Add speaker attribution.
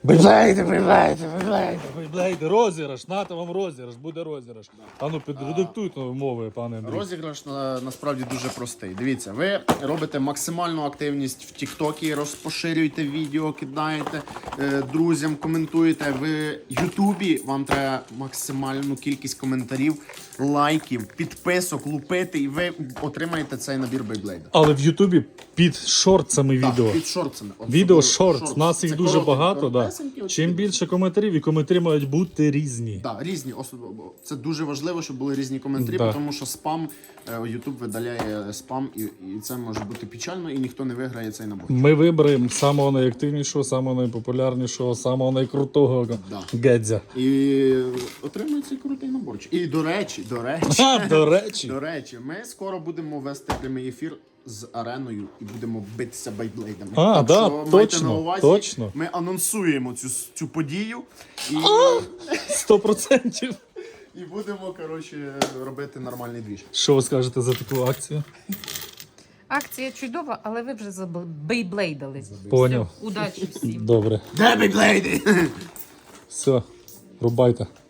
Speaker 1: Бейблейди, розіграш, нате вам розіграш, буде розіграш. А ну підредактуйте умови, пане Андрій.
Speaker 2: Розіграш насправді дуже простий. Дивіться, ви робите максимальну активність в Тіктокі, розпоширюєте відео, кидаєте друзям, коментуєте. В Ютубі вам треба максимальну кількість коментарів, лайків, підписок, лупити, і ви отримаєте цей набір Бейблейда.
Speaker 1: Але в Ютубі під шортсами відео.
Speaker 2: Так, під шортсами.
Speaker 1: Відео шортс, нас їх
Speaker 2: Це
Speaker 1: дуже багато. Да.
Speaker 2: коротесенькі,
Speaker 1: Чим більше коментарів, і коментарі мають бути різні.
Speaker 2: Так, різні. Це дуже важливо, щоб були різні коментарі,
Speaker 1: Да.
Speaker 2: тому що спам, YouTube видаляє спам, і це може бути печально, і ніхто не виграє цей набор.
Speaker 1: Ми виберемо самого найактивнішого, самого найпопулярнішого, самого найкрутого гедзя.
Speaker 2: І отримує цей крутий наборчик. І до речі,
Speaker 1: До речі.
Speaker 2: ми скоро будемо вести прямий ефір з ареною і будемо битися бейблейдами.
Speaker 1: А,
Speaker 2: Так
Speaker 1: да,
Speaker 2: що майте
Speaker 1: точно,
Speaker 2: на увазі,
Speaker 1: точно.
Speaker 2: ми анонсуємо цю подію і,
Speaker 1: 100%.
Speaker 2: і будемо, коротше, робити нормальний двіж.
Speaker 1: Що ви скажете за таку акцію?
Speaker 3: Акція чудова, але ви вже забейблейдали.
Speaker 1: Поняв.
Speaker 3: Удачі всім.
Speaker 1: Добре.
Speaker 2: Де бейблейди?
Speaker 1: Все, рубайте.